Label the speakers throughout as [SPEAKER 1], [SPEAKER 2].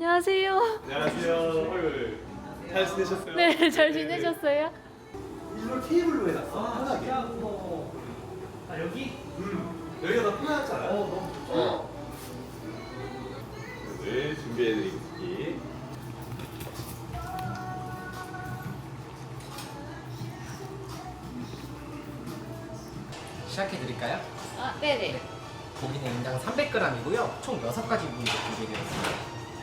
[SPEAKER 1] 안녕하세요.
[SPEAKER 2] 안녕하세요. 어이, 잘 지내셨어요?
[SPEAKER 1] 네, 잘 지내셨어요?
[SPEAKER 2] 일로 테이블로 해놨어. 편하게.
[SPEAKER 3] 아 여기?
[SPEAKER 2] 여기가 더 편하잖아.
[SPEAKER 3] 너무 좋죠.
[SPEAKER 2] 오늘 준비해드린 쿠키.
[SPEAKER 3] 시작해 드릴까요?
[SPEAKER 1] 아, 네네.
[SPEAKER 3] 고기는 인당 300g이고요. 총 6가지 부위로 준비되어 있습니다.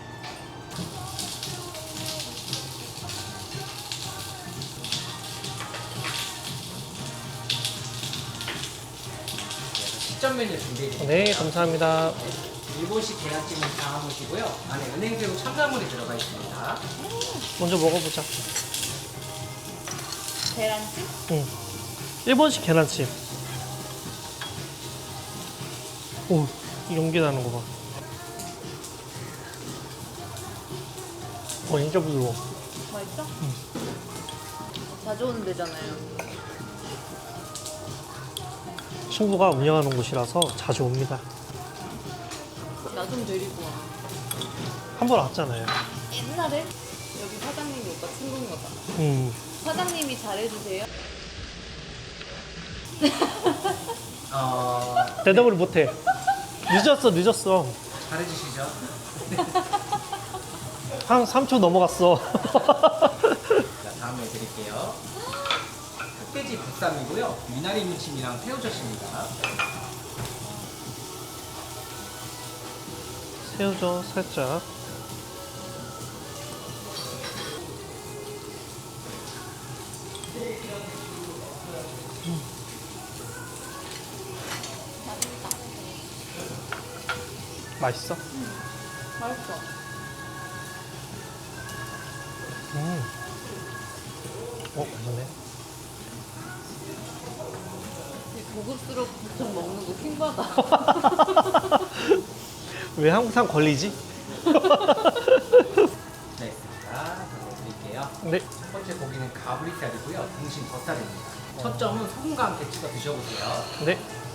[SPEAKER 3] 식전 메뉴 준비해 드릴게요.
[SPEAKER 4] 네, 감사합니다.
[SPEAKER 3] 일본식 계란찜은 담아보시고요. 안에 은행새우 첨가물이 들어가 있습니다.
[SPEAKER 4] 먼저 먹어보자.
[SPEAKER 1] 계란찜?
[SPEAKER 4] 응. 일본식 계란찜. 오, 연기 나는 거 봐. 진짜 부드러워.
[SPEAKER 1] 맛있어? 자주 오는 데잖아요.
[SPEAKER 4] 친구가 운영하는 곳이라서 자주 옵니다.
[SPEAKER 1] 나 좀 데리고 와.
[SPEAKER 4] 한 번 왔잖아요.
[SPEAKER 1] 옛날에 여기 사장님이 오빠 친구인 거잖아. 사장님이 잘해주세요.
[SPEAKER 4] 대답을 못해. 늦었어.
[SPEAKER 3] 잘해주시죠.
[SPEAKER 4] 한 3초 넘어갔어.
[SPEAKER 3] 자, 다음에 드릴게요. 흑돼지 국쌈이고요. 미나리 무침이랑 새우젓입니다.
[SPEAKER 4] 새우젓 살짝. 맛있어?
[SPEAKER 1] 맛있어.
[SPEAKER 4] 맛있네.
[SPEAKER 1] 고급스럽게 좀 먹는 거 킹받아.
[SPEAKER 4] 왜 항상 걸리지?
[SPEAKER 3] 네, 자, 드릴게요.
[SPEAKER 4] 네.
[SPEAKER 3] 첫 번째 고기는 가브리살이고요. 등심 덧살입니다. 첫 점은 소금과 함께 찍어 드셔보세요.
[SPEAKER 4] 네.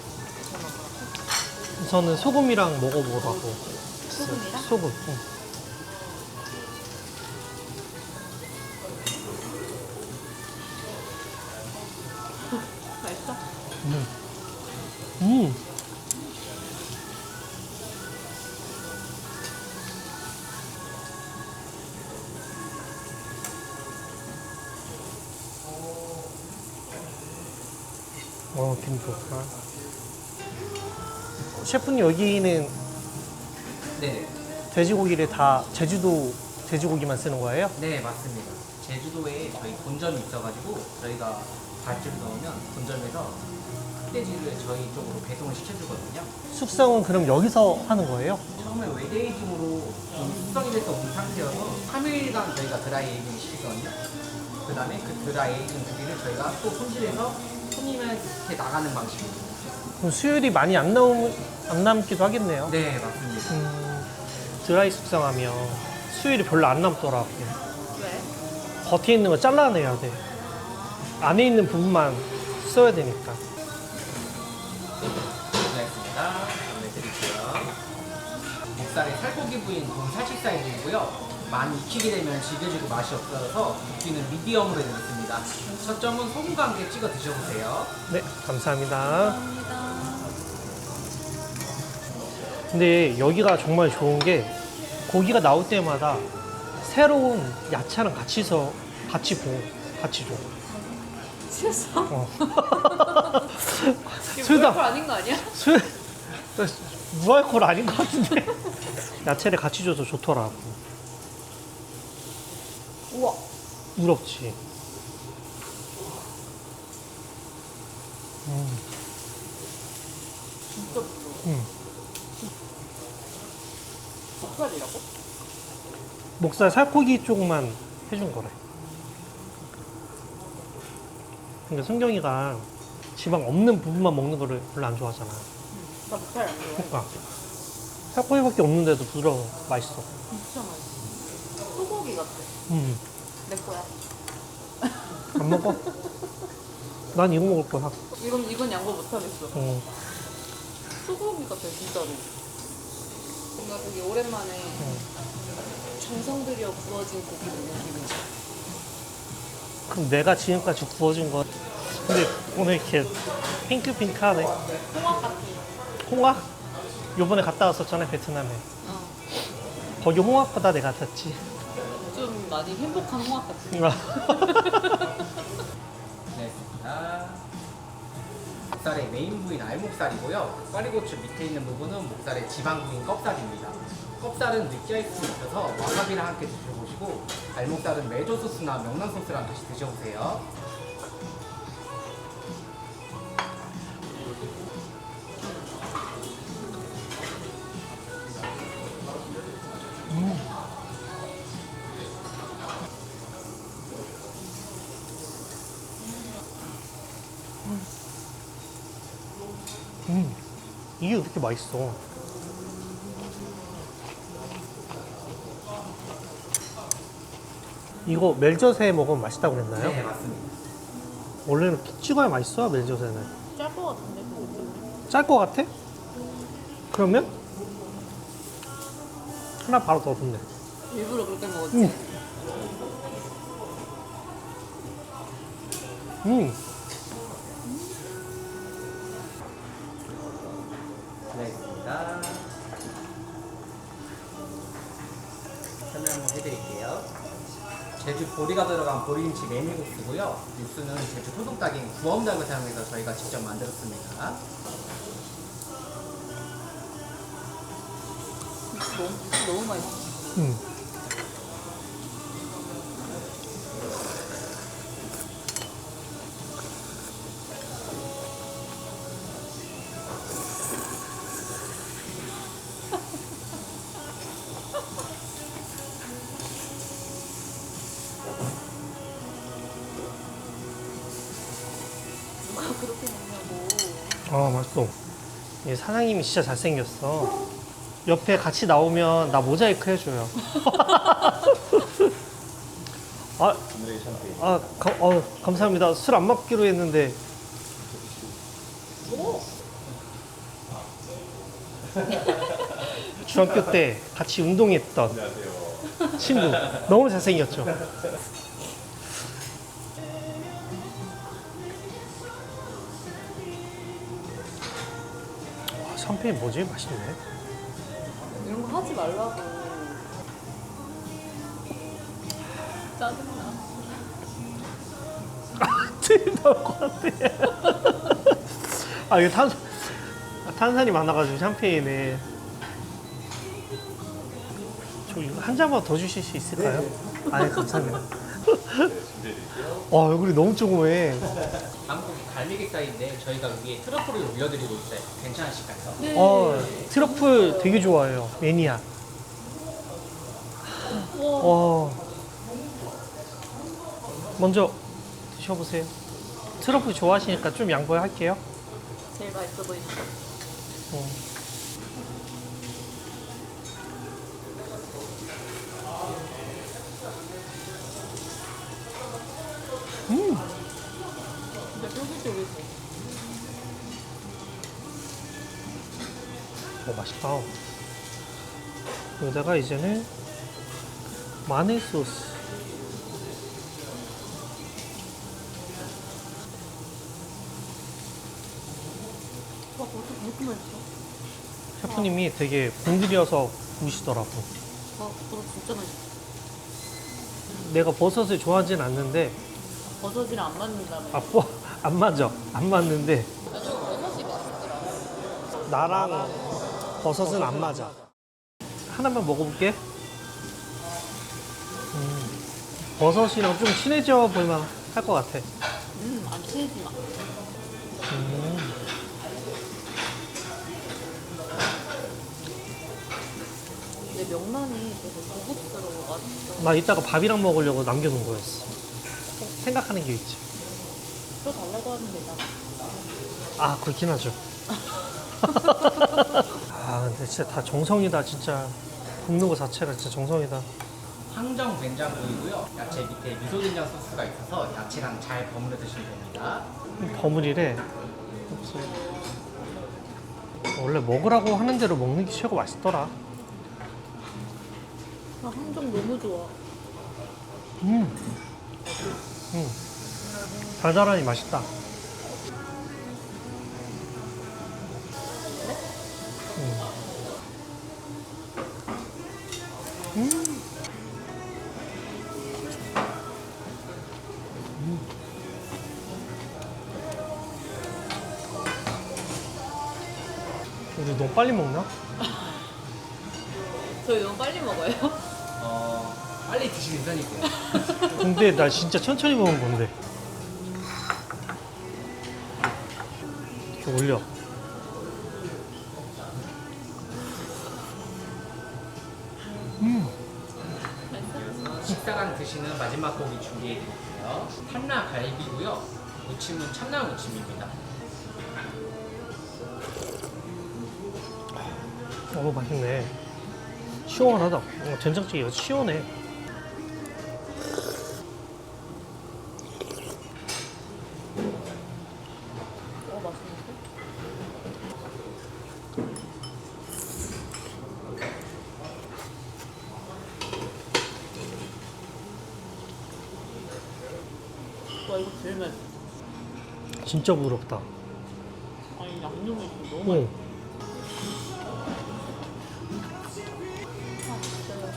[SPEAKER 4] 우선은 소금이랑 먹어보라고.
[SPEAKER 1] 소금이랑?
[SPEAKER 4] 소금. 응.
[SPEAKER 1] 맛있어?
[SPEAKER 4] 음. 김 좋다. 셰프님 여기는
[SPEAKER 3] 네,
[SPEAKER 4] 돼지고기를 다 제주도 돼지고기만 쓰는 거예요?
[SPEAKER 3] 네 맞습니다. 제주도에 저희 본점이 있어가지고 저희가 발주를 넣으면 본점에서 흑돼지를 저희 쪽으로 배송을 시켜주거든요.
[SPEAKER 4] 숙성은 그럼 여기서 하는 거예요?
[SPEAKER 3] 처음에 외대이징으로 숙성이 돼서 온 상태여서 3일간 저희가 드라이 에이징을 시키거든요. 그 다음에 그 드라이 에이징 고기를 저희가 또 손질해서 손님한테 나가는 방식입니다.
[SPEAKER 4] 그럼 수율이 많이 안 남기도 하겠네요.
[SPEAKER 3] 네 맞습니다.
[SPEAKER 4] 드라이 숙성하면 수율이 별로 안 남더라고.
[SPEAKER 1] 왜?
[SPEAKER 4] 겉에 있는 거 잘라내야 돼. 안에 있는 부분만 써야 되니까.
[SPEAKER 3] 고생했습니다. 다음에 드릴게요. 목살의 살코기 부위는 동살식 사이즈이고요. 많이 익히게 되면 질겨지고 맛이 없어서 굽기는 미디엄으로 해드렸습니다. 첫 점은 소금과 함께 찍어 드셔보세요.
[SPEAKER 4] 네, 감사합니다.
[SPEAKER 1] 감사합니다.
[SPEAKER 4] 근데 여기가 정말 좋은 게 고기가 나올 때마다 새로운 야채랑 같이 줘.
[SPEAKER 1] 취했어?
[SPEAKER 4] 어.
[SPEAKER 1] 이거
[SPEAKER 4] 술다.
[SPEAKER 1] 무알콜 아닌 거 아니야?
[SPEAKER 4] 술 무알콜 아닌 것 같은데 야채를 같이 줘서 좋더라고.
[SPEAKER 1] 우와.
[SPEAKER 4] 부럽지.
[SPEAKER 1] 진짜 부러워. 목살이라고?
[SPEAKER 4] 목살 살코기 쪽만 해준 거래. 근데 승경이가 지방 없는 부분만 먹는 거를 별로 안 좋아하잖아.
[SPEAKER 1] 나 목살 안 좋아해.
[SPEAKER 4] 그러니까 살코기밖에 없는데도 부드러워. 맛있어.
[SPEAKER 1] 진짜 맛있어. 소고기 같아. 내 거야.
[SPEAKER 4] 안 먹어? 난 이거 먹을 거야.
[SPEAKER 1] 이건 양보 못 하겠어. 소고기 같아 진짜로. 뭔가 되게 오랜만에 정성 들여 구워진 고기 먹는 기분이야.
[SPEAKER 4] 그럼 내가 지금까지 구워준 거. 근데 오늘 이렇게 핑크핑크하네.
[SPEAKER 1] 홍합 같은.
[SPEAKER 4] 홍합? 요번에 갔다 왔었잖아, 베트남에.
[SPEAKER 1] 어.
[SPEAKER 4] 거기 홍합보다 내가 탔지.
[SPEAKER 1] 좀 많이 행복한 홍합 같은.
[SPEAKER 3] 네, 목살의 메인 부위는 알목살이고요. 꽈리고추 밑에 있는 부분은 목살의 지방 부위인 껍살입니다. 껍살은 느끼할 수 있어서 와사비랑 함께 드셔보시고 알목살은 메조 소스나 명란 소스랑 같이 드셔보세요.
[SPEAKER 4] 이게 왜 이렇게 맛있어? 이거 멜젓에 먹으면 맛있다고 그랬나요?
[SPEAKER 3] 네, 맞습니다.
[SPEAKER 4] 원래는 이렇게 찍어야 맛있어, 멜젓에는.
[SPEAKER 1] 짤 것 같은데.
[SPEAKER 4] 짤 것 같아? 그러면? 하나 바로 더 붓네.
[SPEAKER 1] 일부러 그렇게 먹었지.
[SPEAKER 4] 음.
[SPEAKER 3] 네, 있습니다. 설명 한번 해드릴게요. 제주 보리가 들어간 보리김치 메밀국수고요. 육수는 제주 토종닭인 구엄닭을 사용해서 저희가 직접 만들었습니다.
[SPEAKER 1] 너무 맛있어. 누가 그렇게 먹냐고.
[SPEAKER 4] 아, 맛있어. 이 사장님이 진짜 잘생겼어. 옆에 같이 나오면 나 모자이크 해줘요. 아,
[SPEAKER 2] 오늘의 샴페인.
[SPEAKER 4] 감사합니다. 술 안 먹기로 했는데. 중학교 때 같이 운동했던
[SPEAKER 2] 안녕하세요.
[SPEAKER 4] 친구. 너무 잘생겼죠? 와, 샴페인 뭐지? 맛있네.
[SPEAKER 1] 이런 거 하지 말라고. 짜증나.
[SPEAKER 4] 틀 나올 것 같아. 아, 이게 탄산이 많아가지고 샴페인에. 저 이거 한 잔만 더 주실 수 있을까요? 아, 감사합니다.
[SPEAKER 2] 네, 준비해드릴게요.
[SPEAKER 4] 얼굴이 너무 조그매.
[SPEAKER 3] 한국 갈매기살인데 저희가 위에 트러플을 올려드리고 있어요. 괜찮으실까요?
[SPEAKER 1] 네.
[SPEAKER 4] 트러플 되게 좋아해요. 매니아.
[SPEAKER 1] 우와.
[SPEAKER 4] 먼저 드셔보세요. 트러플 좋아하시니까 좀 양보할게요.
[SPEAKER 1] 제일 맛있어 보이는 거.
[SPEAKER 4] 어.
[SPEAKER 1] 진짜 쫄깃쫄깃해.
[SPEAKER 4] 맛있다. 여기다가 이제는 마늘 소스.
[SPEAKER 1] 와, 벌써 그렇게 맛있어?
[SPEAKER 4] 셰프님이 되게 공들여서 구우시더라고.
[SPEAKER 1] 와, 그거 진짜 맛있어.
[SPEAKER 4] 내가 버섯을 좋아하진 않는데,
[SPEAKER 1] 버섯이랑 안 맞는다며.
[SPEAKER 4] 안 맞아. 안 맞는데,
[SPEAKER 1] 나중에 버섯이 맛있더라.
[SPEAKER 4] 나랑 버섯은 안 맞아. 하나만 먹어볼게. 버섯이랑 좀 친해져 보이면 할 것 같아.
[SPEAKER 1] 안 친해지 마. 내 명란이 되게 고급스러워. 맛있어.
[SPEAKER 4] 나 이따가 밥이랑 먹으려고 남겨놓은 거였어. 생각하는 게 있지.
[SPEAKER 1] 또 달라고 하면 되잖아.
[SPEAKER 4] 아, 그렇긴 하죠. 아, 근데 진짜 다 정성이다, 진짜. 굽는 거 자체가 진짜 정성이다.
[SPEAKER 3] 항정 된장구이고요. 야채 밑에 미소된장 소스가 있어서 야채랑 잘 버무려 드시면 됩니다.
[SPEAKER 4] 버무리래. 원래 먹으라고 하는 대로 먹는 게 최고 맛있더라.
[SPEAKER 1] 아, 항정 너무 좋아.
[SPEAKER 4] 달달하니 맛있다. 우리 너무 빨리 먹나?
[SPEAKER 1] 저희 너무 빨리 먹어요.
[SPEAKER 3] 빨리 드시는 편이고요.
[SPEAKER 4] 근데 나 진짜 천천히 먹은 건데. 이렇게 올려.
[SPEAKER 3] 식사랑 드시는 마지막 고기 준비해드릴게요. 탐라 갈비고요. 무침은 참나 무침입니다.
[SPEAKER 4] 맛있네. 시원하다. 된장찌개가 시원해.
[SPEAKER 1] 맛있는데? 와, 이거 제일 맛있어.
[SPEAKER 4] 진짜 부럽다.
[SPEAKER 1] 아니, 양념이 지금 너무 맛있어. 아, 진짜요.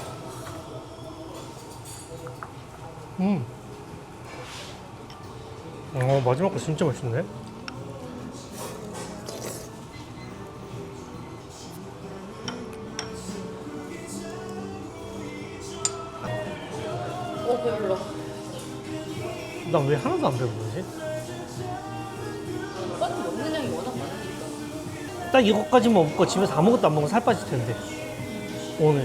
[SPEAKER 4] 마지막 거 진짜 맛있네.
[SPEAKER 1] 배불러.
[SPEAKER 4] 나 왜 하나도 안 배부르지?
[SPEAKER 1] 오빠는 먹는 양이 워낙 많으니까.
[SPEAKER 4] 딱 이것까지만 먹고 집에서 아무것도 안 먹으면 살 빠질 텐데. 오늘.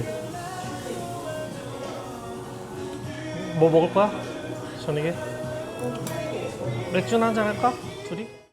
[SPEAKER 4] 뭐 먹을 거야? 저녁에? 맥주 한잔 할까? 둘이?